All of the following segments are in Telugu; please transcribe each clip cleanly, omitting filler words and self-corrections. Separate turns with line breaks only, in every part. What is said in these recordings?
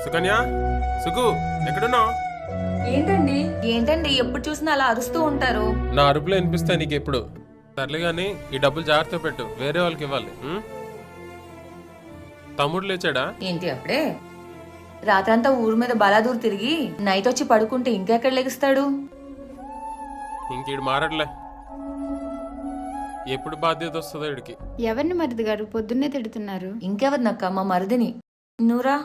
సుకన్య, సుకు, ఎక్కడున్నావు?
ఏంటండి ఎప్పుడు చూసినా అలా అరుస్తూ ఉంటారు?
నా అరుపులో వినిపిస్తాయి నీకు ఎప్పుడు. సర్లే గాని ఈ డబ్బులు జాగ్రత్త పెట్టు, వేరే వాళ్ళకి ఇవ్వాలి. తమ్ముడు లేచాడా?
ఏంటి అప్పుడే? రాత్రంతా ఊరు మీద బలాదూరు తిరిగి నైట్ వచ్చి పడుకుంటే ఇంకెక్కడ లెగిస్తాడు?
ఇంకీడు మారట్లే. ఎప్పుడు బాధ్యత వస్తుందో వీడికి.
ఎవరిని మరిది గారు పొద్దున్నే తిడుతున్నారు?
ఇంకెవరినక్క, మా మరిదిని. నూరా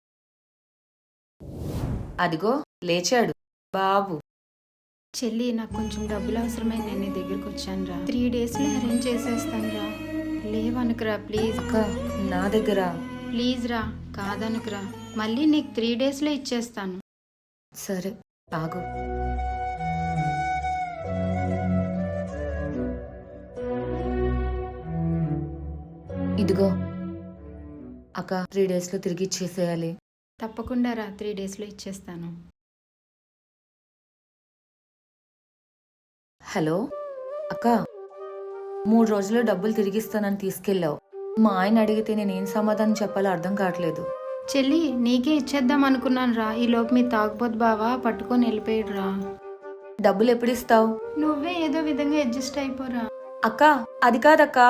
అదిగో లేచాడు బాబు.
చెల్లి, నాకు కొంచెం డబ్బులు అవసరమై నేను నీ దగ్గరకు వచ్చాను రా. 3 daysలో అరేంజ్ చేసేస్తాను రా. లేవనుకురా ప్లీజ్.
అక్క నా దగ్గర.
ప్లీజ్ రా, కాదనుకురా. మళ్ళీ నీకు 3 daysలో ఇచ్చేస్తాను.
సరే ఆగు. ఇదిగో అక్క, 3 daysలో తిరిగి ఇచ్చేసేయాలి.
తప్పకుండా రా, 3 daysలో ఇచ్చేస్తాను.
హలో అక్క, 3 రోజుల్లో డబ్బులు తిరిగిస్తానని తీసుకెళ్ళావు. మా ఆయన అడిగితే నేనేం సమాధానం చెప్పాలో అర్థం కావట్లేదు.
చెల్లి, నీకే ఇచ్చేద్దాం అనుకున్నాను రా. ఈ లోపు మీ తాగుబోతు బావా పట్టుకొని వెళ్ళిపోయాడు రా.
డబ్బులు ఎప్పుడు ఇస్తావు?
నువ్వే ఏదో విధంగా అడ్జస్ట్ అయిపోరా.
అక్క అది కాదక్కా.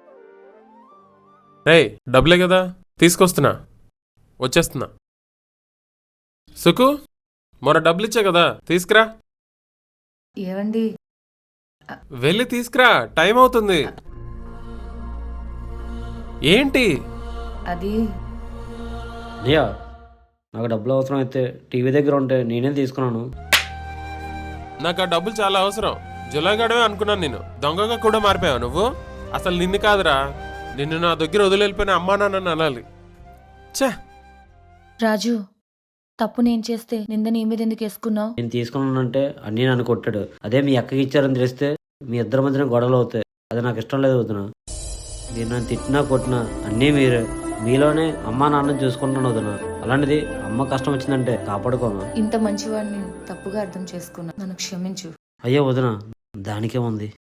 రేయ్, డబ్బులే కదా, తీసుకొస్తున్నా, వచ్చేస్తున్నా. సుకు, మొన్న డబ్బులు ఇచ్చా కదా, తీసుకురా.
ఏవండి?
వెళ్ళి తీసుకురా, టైం అవుతుంది. ఏంటి?
అది
అయ్యా, నాకు డబ్బులు అవసరం అయితే టీవీ దగ్గర ఉంటే నేనే తీసుకున్నాను.
నాకు ఆ డబ్బులు చాలా అవసరం. జులాగడమే అనుకున్నాను నేను. దొంగగా కూడా మారిపోయావు నువ్వు. అసలు నిన్ను కాదురా, నిన్ను నా దగ్గర వదిలిపోయిన అమ్మా నాన్న అనాలి. ఛే!
రాజు, తప్పు నేను చేస్తే నింద నీ మీద ఎందుకు వేసుకున్నావు?
నేను తీసుకున్నానంటే అన్నీ నన్ను కొట్టాడు. అదే మీ అక్కకి ఇచ్చారని తెలిస్తే మీ ఇద్దరి మధ్యన గొడవలు అవుతాయి. అది నాకు ఇష్టం లేదు వదిన. నేను నన్ను తిట్టినా కొట్టినా అన్నీ మీరే. మీలోనే అమ్మా నాన్నని చూసుకుంటున్నాను వదిన. అలాంటిది అమ్మ కష్టం వచ్చిందంటే కాపాడుకోను.
ఇంత మంచివాడిని తప్పుగా అర్థం చేసుకున్నా, నన్ను క్షమించు.
అయ్యో వదిన, దానికే ఉంది.